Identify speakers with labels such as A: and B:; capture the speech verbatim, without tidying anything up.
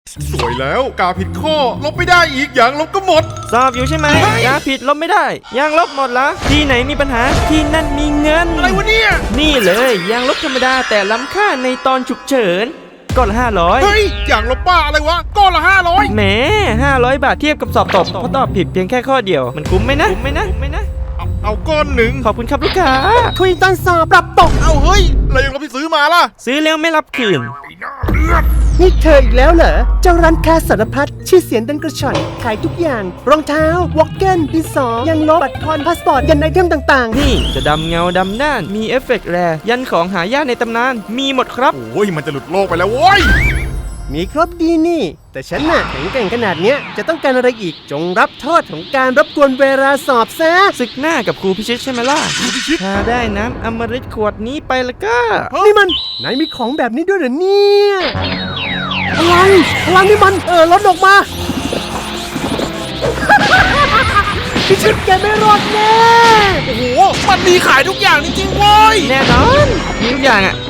A: สวยแล้วกาผิดข้อลบไม่ได้อีกอย่างลบก็หมด
B: สอบอยู่ใช่ไหมยาผิดลบไม่ได้ยางลบหมดละที่ไหนมีปัญหาที่นั่นมีเงิน
A: อะไรวะเนี่ย
B: นี่เลยยางลบธรรมดาแต่ล้ำค่าในตอนฉุกเฉินก้อนละห้าร้อย
A: เฮ้ยอย่างลบป้าอะไรวะก้อนละห้าร้อย
B: แหมห้าร้อยบาทเทียบกับสอบตกเพราะตอบผิดเพียงแค่ข้อเดียวมันคุ้มไหมนะคุ้มไหมนะคุ้มไหมนะ
A: เอาเอาก้อนหนึ่ง
B: ขอบคุณครับลูกค้า
C: คุยตอนสอบปรับตก
A: เอาเฮ้ยอะไรยังเราไปซื้อมาล่ะ
B: ซื้อแล้วไม่รับคืน
C: นี่เธออีกแล้วเหรอเจ้าร้านค้าสารพัดชื่อเสียงดังกระชอนขายทุกอย่างรองเท้าวอลเกนดินสอยังลบบัตรทอนพาสปอร์ตยันไอเทมต่างๆ
B: นี่จะดำเงาดำด้านมีเอฟเฟกต์แรยันของหายากในตำนานมีหมดครับ
A: โอ้ยมันจะหลุดโลกไปแล้วโว้ย
C: มีครบดีนี่แต่ฉันน่ะแข็งแกร่งขนาดเนี้ยจะต้องการอะไรอีกจงรับโทษของการรบกวนเวลาสอบซะ
B: ศึกหน้ากับครูพิชิตใช่ไหมล่ะถ้าได้น้ำอมฤตขวดนี้ไปแล้วก็
C: นี่มันไหนมีของแบบนี้ด้วยเหรอเนี่ยอะไรพลังนี่มันเออลดออกมาพิชิตแกไม่รอดแน่
A: โอ้โหมันมีขายทุกอย่างจริงๆเว้ย
B: แน่นอนมีทุกอย่างอ่ะ